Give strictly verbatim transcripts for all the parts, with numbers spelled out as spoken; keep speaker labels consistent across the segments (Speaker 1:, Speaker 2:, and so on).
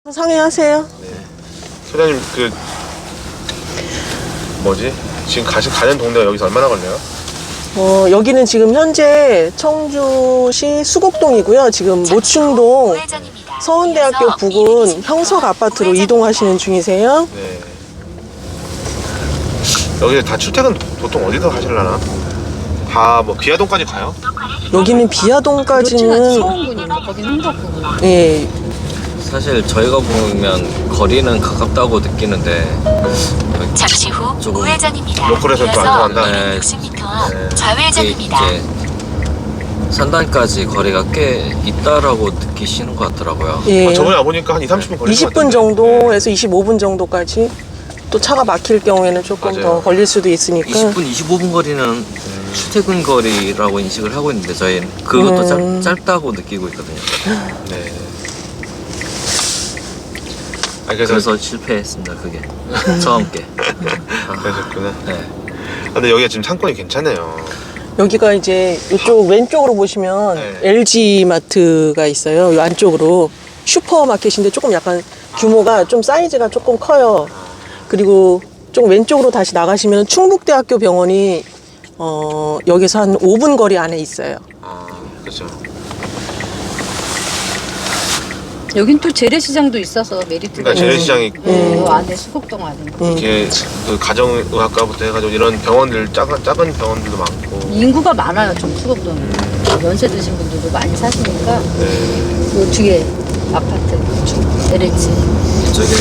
Speaker 1: 상의하세요.
Speaker 2: 네. 소장님 그 뭐지? 지금 가시 가는 동네가 여기서 얼마나 걸려요?
Speaker 1: 어, 여기는 지금 현재 청주시 수곡동이고요. 지금 모충동 서원대학교 부근 형석 아파트로 이동하시는 중이세요.
Speaker 2: 네. 여기 다 출퇴근 보통 어디서 하실라나? 다 뭐 비아동까지 가요?
Speaker 1: 여기는 비아동까지는
Speaker 3: 서원군인가? 거긴 흥덕군.
Speaker 1: 예.
Speaker 4: 사실 저희가 보면 거리는 가깝다고 느끼는데
Speaker 5: 잠시 후
Speaker 4: 조금
Speaker 5: 우회전입니다.
Speaker 2: 로컬에서 또 안 통한다?
Speaker 4: 네.
Speaker 5: 이백육십 미터 앞
Speaker 2: 네.
Speaker 4: 이게
Speaker 5: 좌회전입니다.
Speaker 4: 이제 산단까지 거리가 꽤 있다라고 느끼시는 것 같더라고요.
Speaker 1: 예.
Speaker 2: 아, 저번에 와보니까 한 이, 삼십 분 걸린 것
Speaker 1: 이십 분
Speaker 2: 같은데.
Speaker 1: 정도에서 이십오 분 정도까지 또 차가 막힐 경우에는 조금
Speaker 2: 맞아요.
Speaker 1: 더 걸릴 수도 있으니까.
Speaker 4: 이십 분, 이십오 분 거리는 출퇴근 거리라고 인식을 하고 있는데 저희는 그것도
Speaker 1: 음.
Speaker 4: 짧, 짧다고 느끼고 있거든요.
Speaker 2: 네. 아, 그래서,
Speaker 4: 그래서 실패했습니다. 그게 처음 게.
Speaker 2: 그러셨구나.
Speaker 4: 네.
Speaker 2: 아, 근데 여기가 지금 상권이 괜찮네요.
Speaker 1: 여기가 이제 이쪽 왼쪽으로 보시면
Speaker 2: 네.
Speaker 1: 엘지 마트가 있어요. 이 안쪽으로 슈퍼마켓인데 조금 약간 규모가 좀 사이즈가 조금 커요. 그리고 좀 왼쪽으로 다시 나가시면 충북대학교 병원이 어, 여기서 한 오 분 거리 안에 있어요.
Speaker 2: 아, 그렇죠.
Speaker 3: 여긴 또 재래시장도 있어서 메리트가
Speaker 2: 그러니까 재래시장이 있고
Speaker 3: 네, 요 안에 수곡동 안에
Speaker 2: 이렇게 그 가정의학과부터 해가지고 이런 병원들 작은 작은 병원들도 많고.
Speaker 3: 인구가 많아요. 좀 수곡동이 연세 드신 분들도 많이 사시니까
Speaker 2: 네.
Speaker 3: 요 뒤에 아파트 엘에이치
Speaker 4: 저기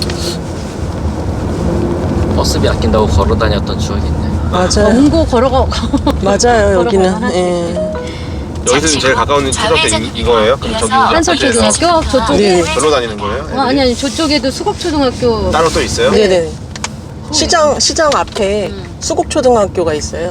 Speaker 4: 버스비 아낀다고 걸어 다녔던 추억이 있네.
Speaker 1: 맞아요.
Speaker 3: 원고 걸어가
Speaker 1: 맞아요. 여기는.
Speaker 3: 걸어가면
Speaker 1: 예.
Speaker 2: 여기서 제일 가까운 초등학교 이- 이거예요? 그럼 저기
Speaker 3: 한솔초등학교 저쪽에
Speaker 1: 네.
Speaker 2: 별로 다니는 거예요?
Speaker 3: 어, 아니 아니 저쪽에도 수곡초등학교
Speaker 2: 따로 또 있어요?
Speaker 1: 네네. 시장 시장 앞에 수곡초등학교가 있어요.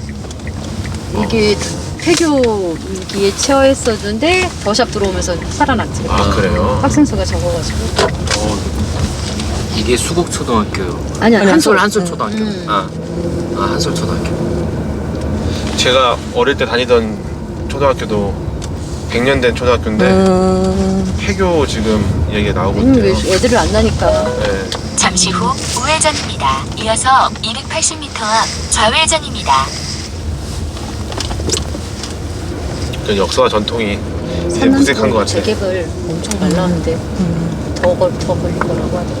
Speaker 3: 이게 폐교기에 처했었는데 더샵 들어오면서 살아났지.
Speaker 2: 아, 그래요?
Speaker 3: 학생 수가 적어가지고.
Speaker 2: 어,
Speaker 4: 이게 수곡초등학교.
Speaker 3: 아니 아니
Speaker 4: 한솔
Speaker 3: 한솔.
Speaker 4: 한솔 초등학교.
Speaker 3: 음.
Speaker 4: 아, 아 한솔 초등학교.
Speaker 2: 제가 어릴 때 다니던 초등학교도 백 년 된 초등학교인데
Speaker 1: 음,
Speaker 2: 폐교 지금 얘기 나오고
Speaker 3: 음, 왜
Speaker 2: 있대요.
Speaker 3: 애들을 안 나니까.
Speaker 2: 네.
Speaker 5: 잠시 후 우회전입니다. 이어서 이백팔십 미터 앞 좌회전입니다.
Speaker 2: 그 역사와 전통이 이제
Speaker 3: 산남도
Speaker 2: 무색한 것 같아요.
Speaker 3: 재개발 엄청 잘 나오는데 더, 걸, 더 걸릴 거라고 하더라고.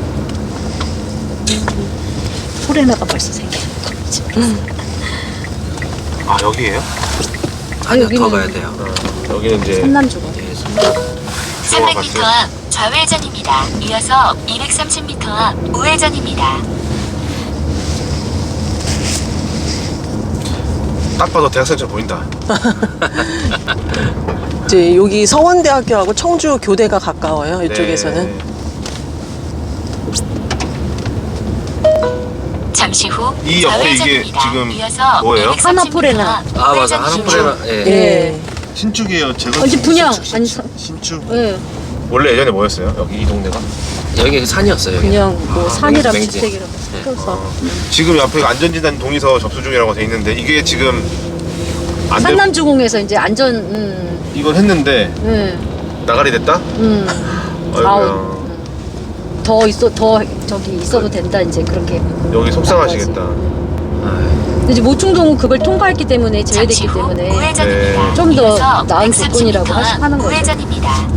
Speaker 3: 포레나가 벌써 생겨요.
Speaker 2: 아, 여기에요?
Speaker 4: 아니요,
Speaker 3: 여기는-
Speaker 4: 더 가야 돼요.
Speaker 2: 어, 여기는 이제
Speaker 3: 산남주거.
Speaker 4: 예, 선남.
Speaker 5: 삼백 미터 앞 좌회전입니다. 이어서 이백삼십 미터 앞 우회전입니다.
Speaker 2: 딱 봐도 대학생처럼 보인다.
Speaker 1: 이제 여기 서원대학교하고 청주 교대가 가까워요. 이쪽에서는.
Speaker 2: 네.
Speaker 5: 잠시 후
Speaker 2: 이 옆에 이게
Speaker 5: 좌회전입니다.
Speaker 2: 지금
Speaker 5: 이어서
Speaker 2: 뭐예요?
Speaker 5: 이백삼십
Speaker 3: 하나포레나.
Speaker 5: 미터 앞
Speaker 4: 아 맞아,
Speaker 5: 우회전입니다.
Speaker 4: 하나포레나. 예.
Speaker 1: 예.
Speaker 2: 신축이에요. 제가
Speaker 3: 아니, 분양. 아니, 사-
Speaker 2: 신축.
Speaker 3: 예,
Speaker 2: 원래 예전에 뭐였어요? 여기 이 동네가?
Speaker 4: 여기 산이었어요. 여기.
Speaker 3: 그냥 뭐
Speaker 4: 아,
Speaker 3: 산이랑
Speaker 4: 맹지.
Speaker 3: 주택이랑
Speaker 4: 네.
Speaker 3: 섞여서.
Speaker 2: 어, 지금 옆에 안전진단 동의서 접수 중이라고 돼 있는데 이게 지금 안 되고
Speaker 3: 산남주공에서 이제 안전, 음,
Speaker 2: 이걸 했는데
Speaker 3: 음,
Speaker 2: 나가리 됐다?
Speaker 3: 음.
Speaker 2: 아이고야.
Speaker 3: 아우. 더 있어, 더 저기 있어도 된다, 이제 그렇게.
Speaker 2: 여기 속상하시겠다.
Speaker 3: 근데 이제 모충동은 그걸 통과했기 때문에
Speaker 5: 잠시
Speaker 3: 제외됐기
Speaker 5: 후
Speaker 3: 때문에
Speaker 5: 우회전입니다.
Speaker 2: 네.
Speaker 3: 좀더
Speaker 5: 이어서
Speaker 3: 나은
Speaker 5: 백삼십
Speaker 3: 조건이라고
Speaker 5: 미터
Speaker 3: 하시-
Speaker 5: 앞
Speaker 3: 하는 거죠.
Speaker 5: 우회전입니다.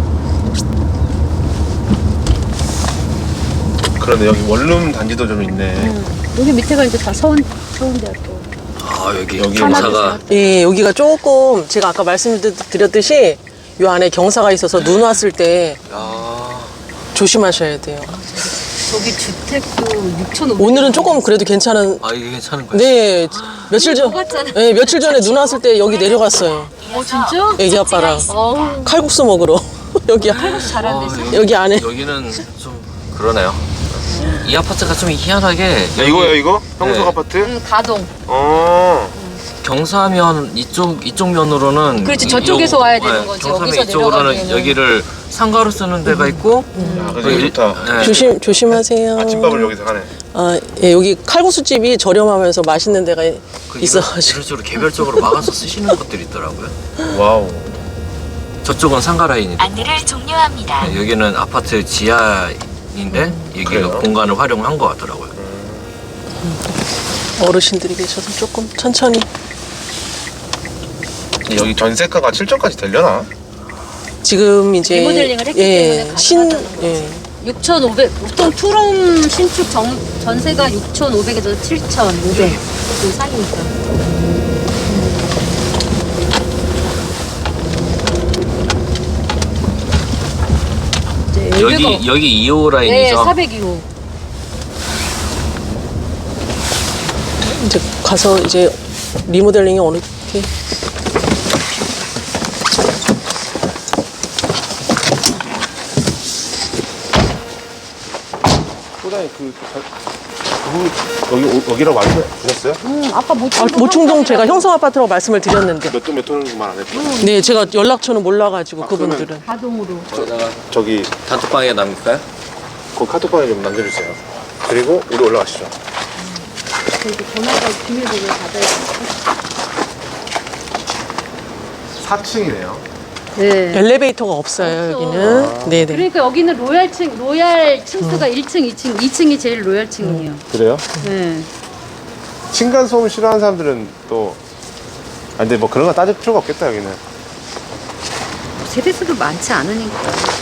Speaker 2: 그런데 여기 원룸 단지도 좀 있네.
Speaker 3: 음. 여기 밑에가 이제 다 서원, 서원대학교.
Speaker 4: 아 여기
Speaker 2: 여기
Speaker 4: 경사가
Speaker 1: 예, 여기가 조금 제가 아까 말씀드렸듯이 요 안에 경사가 있어서 눈 왔을 때
Speaker 4: 아,
Speaker 1: 조심하셔야 돼요.
Speaker 3: 저기 주택도 육천오백.
Speaker 1: 오늘은 조금 그래도 괜찮은.
Speaker 4: 아 이게 괜찮은 거야.
Speaker 1: 네, 며칠 전,
Speaker 3: 똑같잖아.
Speaker 1: 네, 며칠 전에 눈 왔을 때 여기 내려갔어요.
Speaker 3: 어, 진짜?
Speaker 1: 애기 아빠랑
Speaker 3: 어우,
Speaker 1: 칼국수 먹으러 여기
Speaker 3: 잘한데.
Speaker 4: 아, 여기,
Speaker 1: 여기 안에.
Speaker 4: 여기는 좀 그러네요. 이 아파트가 좀 희한하게
Speaker 2: 야,
Speaker 4: 여기
Speaker 2: 이거요 이거? 형석
Speaker 4: 네.
Speaker 2: 아파트?
Speaker 3: 음, 가동.
Speaker 2: 어.
Speaker 4: 경사면 이쪽 이쪽 면으로는
Speaker 3: 그렇지,
Speaker 4: 이-
Speaker 3: 저쪽에서
Speaker 4: 요-
Speaker 3: 와야 되는
Speaker 4: 네,
Speaker 3: 거지.
Speaker 4: 경사면
Speaker 3: 여기서
Speaker 4: 이쪽으로는
Speaker 3: 내려가기에는.
Speaker 4: 여기를 상가로 쓰는 데가 있고
Speaker 2: 야, 그래서
Speaker 4: 또
Speaker 2: 여기
Speaker 4: 이-
Speaker 2: 좋다.
Speaker 4: 네.
Speaker 1: 조심, 조심하세요.
Speaker 2: 아침밥을 여기서 하네.
Speaker 1: 아, 예, 여기 칼국수집이 저렴하면서 맛있는 데가
Speaker 4: 그
Speaker 1: 있어가지고.
Speaker 4: 이런 식으로 개별적으로 막아서 쓰시는 것들이 있더라고요.
Speaker 2: 와우.
Speaker 4: 저쪽은 상가 라인이고
Speaker 5: 안내를 종료합니다.
Speaker 4: 네, 여기는 아파트 지하인데 여기가
Speaker 2: 그래요?
Speaker 4: 공간을 활용한 것 같더라고요.
Speaker 1: 어르신들이 계셔서 조금 천천히.
Speaker 2: 여기 전세가가 칠천까지 되려나?
Speaker 1: 지금 이제
Speaker 3: 리모델링을 했기
Speaker 1: 예,
Speaker 3: 때문에
Speaker 1: 신
Speaker 3: 가능하다고.
Speaker 1: 예.
Speaker 3: 육천오백 보통 투룸 신축 정, 전세가 육천오백에서 칠천오백 그 사이니까. 이제
Speaker 4: 여기
Speaker 3: 여기가-
Speaker 4: 여기 이 호
Speaker 3: 네,
Speaker 4: 라인이죠.
Speaker 3: 사백이 호.
Speaker 1: 이제 가서 이제 리모델링이 어느 게
Speaker 2: 소장님 그, 그 여기 오- 여기라고 말씀 주셨어요?
Speaker 3: 음, 아까 못
Speaker 1: 아, 모충동 제가 형성 아파트라고 말씀을 드렸는데.
Speaker 2: 몇 동 몇 호는말 안 했죠?
Speaker 1: 네, 제가 연락처는 몰라가지고 그분들은.
Speaker 3: 가동으로.
Speaker 4: 거기다가
Speaker 2: 저기
Speaker 4: 단톡방에 남길까요?
Speaker 2: 그 카톡방에 좀 남겨주세요. 그리고 우리 올라가시죠.
Speaker 3: 그리고 전화가 비밀번호 받아야
Speaker 2: 사 층이네요.
Speaker 3: 네.
Speaker 1: 엘리베이터가 없어요
Speaker 3: 없어.
Speaker 1: 여기는. 네네.
Speaker 3: 그러니까 여기는 로얄층, 로얄 층수가 일 층, 이 층, 이 층이 제일 로얄층이에요.
Speaker 2: 그래요?
Speaker 3: 네.
Speaker 2: 층간 소음 싫어하는 사람들은 또 아, 근데 뭐 그런 거 따질 필요가 없겠다 여기는.
Speaker 3: 세대수도 많지 않으니까.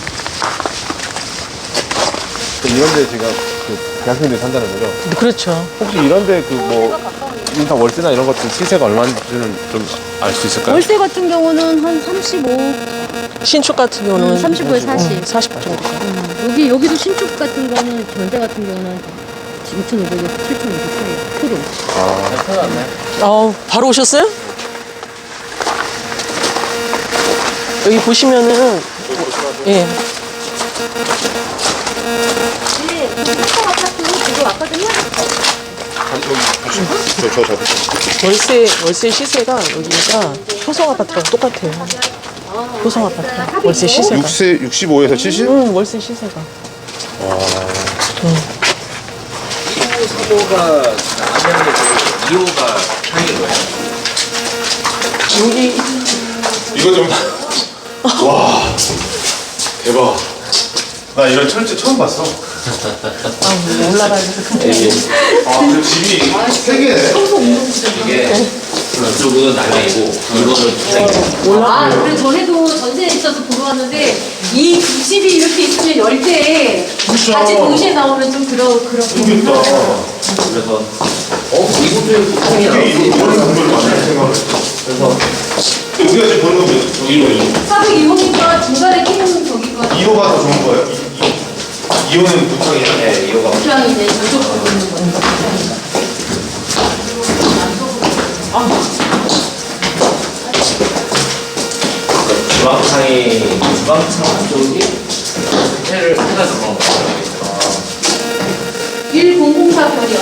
Speaker 2: 또 이런데 제가 그 대학생들이 산다는 거죠.
Speaker 1: 그렇죠.
Speaker 2: 혹시 이런데 그 뭐 인사 월세나 이런 것들 시세가 얼마인지는 좀 알 수 있을까요?
Speaker 3: 월세 같은 경우는 한 삼십오.
Speaker 1: 신축 같은 경우는
Speaker 3: 음, 삼십오에 사십.
Speaker 1: 음, 사십 정도.
Speaker 3: 음, 여기 여기도 신축 같은 거는 전세 같은 경우는 육천오백에서 칠천오백 사이. 프로.
Speaker 1: 어, 바로 오셨어요? 여기 보시면은 예.
Speaker 3: 네, 신축 아파트 지금 왔거든요.
Speaker 2: 저, 저, 저.
Speaker 1: 월세 월세 시세가 여기가 효성 아파트랑 똑같아요. 효성 아파트 월세 시세가.
Speaker 2: 육세 육십오에서 칠십?
Speaker 1: 응, 월세 시세가.
Speaker 4: 일 호, 삼 호가 남양이고 이 호가 상인 거예요.
Speaker 1: 여기
Speaker 2: 이거 좀. 와. 대박. 나 이런 철제 처음 봤어.
Speaker 1: 아, 올라가야 돼서
Speaker 2: 아, 그 집이 세 개네.
Speaker 4: 이게 이쪽은 남양이고 이거는 상인.
Speaker 3: 아, 그래 전에도 전세에 있어서 보러 왔는데 이 두 집이 이렇게 있으면 열 대 같이 동시에 나오면 좀 그러 그렇긴 하죠.
Speaker 4: 그래서 어 이것도 상이야.
Speaker 2: 이거를 공부를 많이 할 생각을 했어. 그래서 우리가 지금 보는 건 저기로
Speaker 3: 사백이 호니까 중간에 끼는 저기가
Speaker 2: 이 호가 더 좋은 거예요. 이 호는 부창이야.
Speaker 4: 네, 이 호가
Speaker 3: 그냥 이제 저쪽 부분인 거예요.
Speaker 4: 주방창이 주방창 쪽이 해를 해가 들어간 거예요.
Speaker 3: 일공공사 별이요.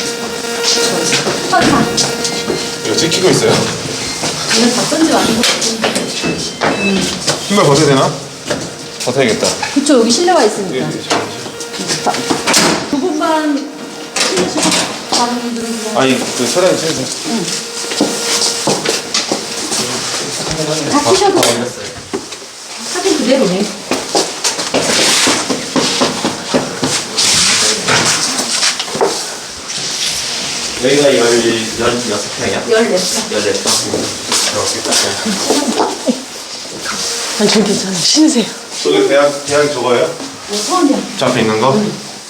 Speaker 3: 천사.
Speaker 2: 이거 찍히고 있어요.
Speaker 3: 이건 답변지 아닌 것 같은데.
Speaker 2: 신발 벗어야 되나? 벗어야겠다.
Speaker 3: 그쵸, 여기 실내가 있으니까. 두 분만 신으시고 다른 분들은 그냥
Speaker 2: 아니 그 사장님 신으세요.
Speaker 3: 다 쓰셔도 사진 그대로네.
Speaker 4: 여기가 열여섯 평이야?
Speaker 3: 열네 번.
Speaker 4: 열네 평.
Speaker 1: 아니 전 괜찮아요. 신으세요.
Speaker 2: 저기 대학 대학 저거예요?
Speaker 3: 서울이야.
Speaker 2: 저 앞에 있는 거?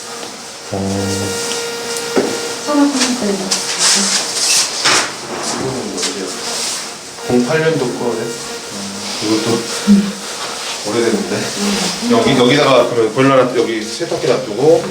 Speaker 3: 서울 컴퓨터에.
Speaker 2: 공팔 년도 거네. 이것도 오래됐는데. 여기 여기다가 그러면 보일러 놔 여기 세탁기 놔두고.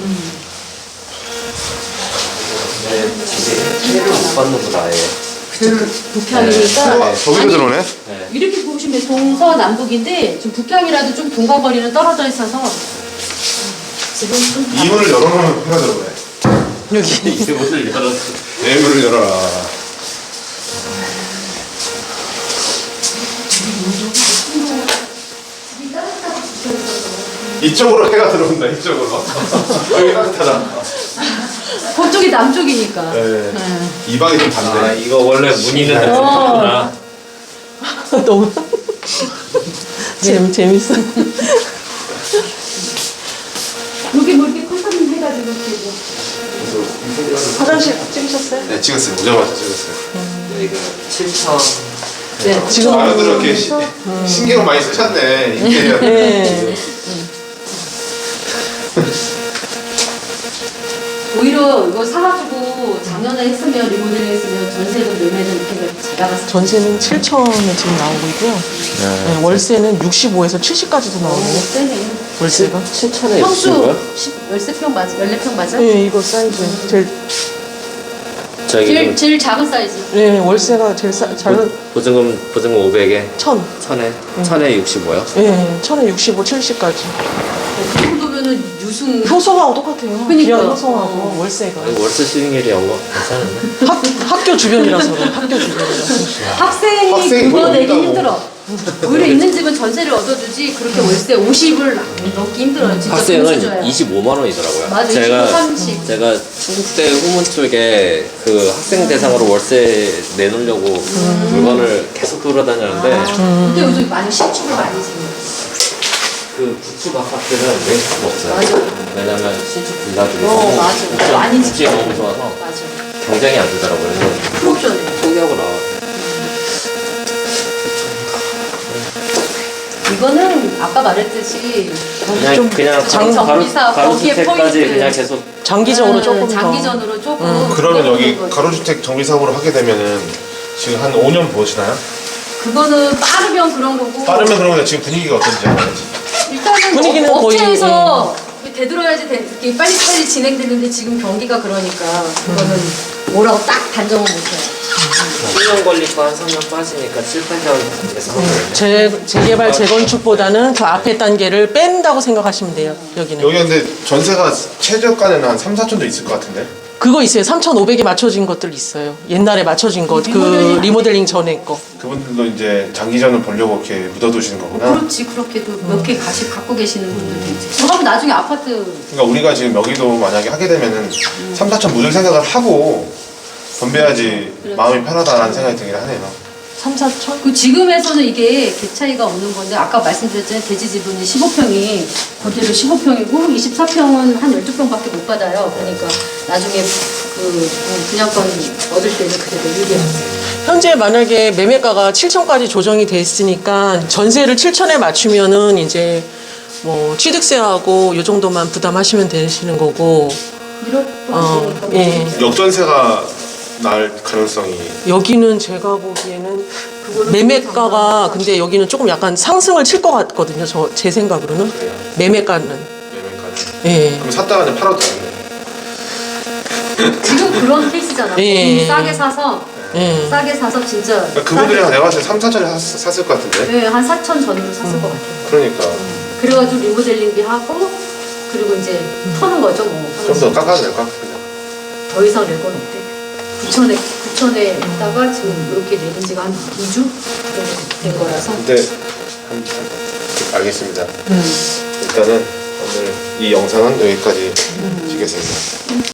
Speaker 4: 네, 집에 해를 못 받는구나 아예.
Speaker 3: 북향이니까.
Speaker 2: 아, 저기로 들어오네.
Speaker 3: 이렇게 보시면 동서남북인데 좀 북향이라도 좀 동가거리는 떨어져 있어서 지금 좀
Speaker 2: 이 문을 열어놓으면 해가 들어오네.
Speaker 1: 여기
Speaker 4: 이 문을 열었어.
Speaker 2: 네 문을 열어라. 이쪽으로 해가 들어온다. 이쪽으로. 여기 따뜻하다.
Speaker 3: 그쪽이 남쪽이니까.
Speaker 2: 네.
Speaker 3: 네.
Speaker 2: 이 방이 좀
Speaker 4: 아
Speaker 2: 반대.
Speaker 4: 이거 원래 문 있는 데구나.
Speaker 1: 너무 재미 재밌어.
Speaker 3: 여기 뭐 이렇게 컨설팅 해가지고 이렇게 뭐.
Speaker 1: 화장실 찍으셨어요?
Speaker 2: 네, 찍었어요. 오자마자 찍었어요.
Speaker 4: 여기가 칠천.
Speaker 3: 네.
Speaker 1: 지금
Speaker 2: 아유들 이렇게 시, 신경을 많이 쓰셨네. 인테리어.
Speaker 1: 네.
Speaker 3: 오히려 이거 사가지고 작년에 했으면 리모델링 했으면 전세도 매매는 이렇게 잘 나갔을
Speaker 1: 전세는 칠천에 지금 나오고 있고요. 네, 월세는 육십오에서 칠십까지도 나오고요.
Speaker 3: 세네.
Speaker 1: 월세가.
Speaker 4: 칠천에
Speaker 3: 평수 십, 열세 평 맞아? 열네 평 맞아?
Speaker 1: 네, 이거 사이즈 제일
Speaker 4: 저기
Speaker 3: 제일,
Speaker 4: 좀
Speaker 3: 제일 작은 사이즈.
Speaker 1: 네, 월세가 제일 싸, 작은
Speaker 4: 보증금 보증금 오백에
Speaker 1: 천.
Speaker 4: 천에 천에 육십오요.
Speaker 1: 네, 천에 육십오, 칠십까지.
Speaker 3: 그 정도면은 유승.
Speaker 1: 효소하고 똑같아요.
Speaker 3: 그러니까.
Speaker 1: 기아 효소하고 월세가.
Speaker 4: 월세 수익률이 영어 괜찮은데?
Speaker 1: 학, 학교 주변이라서 그래. 학교 주변이라서.
Speaker 3: 학생이
Speaker 2: 학생이
Speaker 3: 그거
Speaker 2: 뭘
Speaker 3: 내기
Speaker 2: 얻는다고.
Speaker 3: 힘들어. 오히려 있는 집은 전세를 얻어주지 그렇게 월세 오십을 넣기 힘들어요. 진짜 돈을
Speaker 4: 학생은
Speaker 3: 줘야.
Speaker 4: 이십오만 원이더라고요.
Speaker 3: 맞아,
Speaker 4: 제가
Speaker 3: 이십오, 삼십.
Speaker 4: 제가 충북대 후문 쪽에 그 학생 대상으로 월세 내놓으려고 물건을 계속 돌아다녔는데
Speaker 3: 근데 요즘 많이 신축을 많이 지어요.
Speaker 4: 그 구축 아파트는 왼수가 없어요.
Speaker 3: 맞아.
Speaker 4: 왜냐면 신축 빌라들이
Speaker 3: 어,
Speaker 4: 너무
Speaker 3: 맞아.
Speaker 4: 구축-
Speaker 3: 많이
Speaker 4: 구축이 너무 좋아서
Speaker 3: 맞아.
Speaker 4: 경쟁이 안 되더라고요. 그래서
Speaker 3: 프로션에.
Speaker 4: 포기하고 나와.
Speaker 3: 이거는 아까 말했듯이
Speaker 4: 그냥
Speaker 1: 좀
Speaker 4: 그냥
Speaker 3: 장-
Speaker 4: 가로
Speaker 3: 정비사
Speaker 4: 가로
Speaker 3: 거기에
Speaker 4: 주택까지
Speaker 3: 포인트.
Speaker 4: 그냥 계속
Speaker 1: 장기적으로
Speaker 3: 음,
Speaker 1: 조금 더.
Speaker 3: 장기전으로 조금.
Speaker 2: 그러면 여기
Speaker 3: 끌어오는 거지.
Speaker 2: 가로주택 정비사업으로 하게 되면은 지금 한 오 년 보시나요?
Speaker 3: 그거는 빠르면 그런 거고.
Speaker 2: 빠르면 그러면 지금 분위기가 어떤지 알아야지.
Speaker 3: 일단은
Speaker 1: 분위기는
Speaker 3: 업-
Speaker 1: 거의,
Speaker 3: 업체에서 되돌아야지 되, 이게 빨리빨리 진행되는데 지금 경기가 그러니까 그거는 뭐라고 딱 단정은 못해요.
Speaker 4: 칠 년 걸리고 한 삼 년 빠지니까 칠, 팔 년에서 하는 거예요.
Speaker 1: 재, 재개발, 재건축보다는 저 앞에 단계를 뺀다고 생각하시면 돼요. 여기는.
Speaker 2: 여기 근데 전세가 최저가는 한 삼, 사천도 있을 것 같은데?
Speaker 1: 그거 있어요. 삼천오백에 맞춰진 것들 있어요. 옛날에 맞춰진 것. 그
Speaker 3: 리모델링.
Speaker 1: 리모델링 전에 거.
Speaker 2: 그분들도 이제 장기전을 보려고 이렇게 묻어두시는 거구나.
Speaker 3: 그렇지 그렇게도 몇 개 가씩 갖고 계시는 분들도 있지. 그러면 나중에 아파트
Speaker 2: 그러니까 우리가 지금 여기도 만약에 하게 되면은 삼, 사천 묻을 생각을 하고 건배야지
Speaker 3: 그렇죠.
Speaker 2: 마음이 편하다라는 생각이 들긴 하네요.
Speaker 1: 삼, 사천?
Speaker 3: 그 지금에서는 이게 개 차이가 없는 건데 아까 말씀드렸잖아요. 대지 지분이 십오 평이 그대로 십오 평이고 이십사 평은 한 열두 평밖에 못 받아요. 그러니까 나중에 그 분양권 얻을 때는 그대로 유리하죠.
Speaker 1: 현재 만약에 매매가가 칠천까지 조정이 됐으니까 전세를 칠천에 맞추면은 이제 뭐 취득세하고 요 정도만 부담하시면 되시는 거고.
Speaker 3: 일억도
Speaker 1: 어,
Speaker 3: 하시니까
Speaker 1: 예.
Speaker 2: 역전세가 날 가능성이
Speaker 1: 여기는 제가 보기에는 매매가가 근데 여기는 조금 약간 상승을 칠 것 같거든요. 저 제 생각으로는
Speaker 2: 그래요.
Speaker 1: 매매가는.
Speaker 2: 매매까지.
Speaker 1: 예.
Speaker 2: 그럼 샀다가 그냥 팔아도 되겠네.
Speaker 3: 지금 그런 케이스잖아.
Speaker 1: 예.
Speaker 3: 좀 싸게 사서
Speaker 1: 예.
Speaker 3: 싸게 사서 진짜
Speaker 2: 그러니까 그분들이 내가 봤을 때 삼, 사천에 샀, 샀을 것 같은데?
Speaker 3: 네, 한 사천 전으로 샀을 것 같아요.
Speaker 2: 그러니까
Speaker 3: 그래가지고 리모델링비 하고 그리고 이제 터는 거죠 뭐.
Speaker 2: 좀 더 깎아도 될까? 그냥.
Speaker 3: 더 이상 낼 건 없대. 구천에 구천에 있다가 지금 이렇게 내는 지가 한 이 주 정도 된 거라서.
Speaker 2: 근데 한, 알겠습니다. 일단은 오늘 이 영상은 여기까지 찍겠습니다.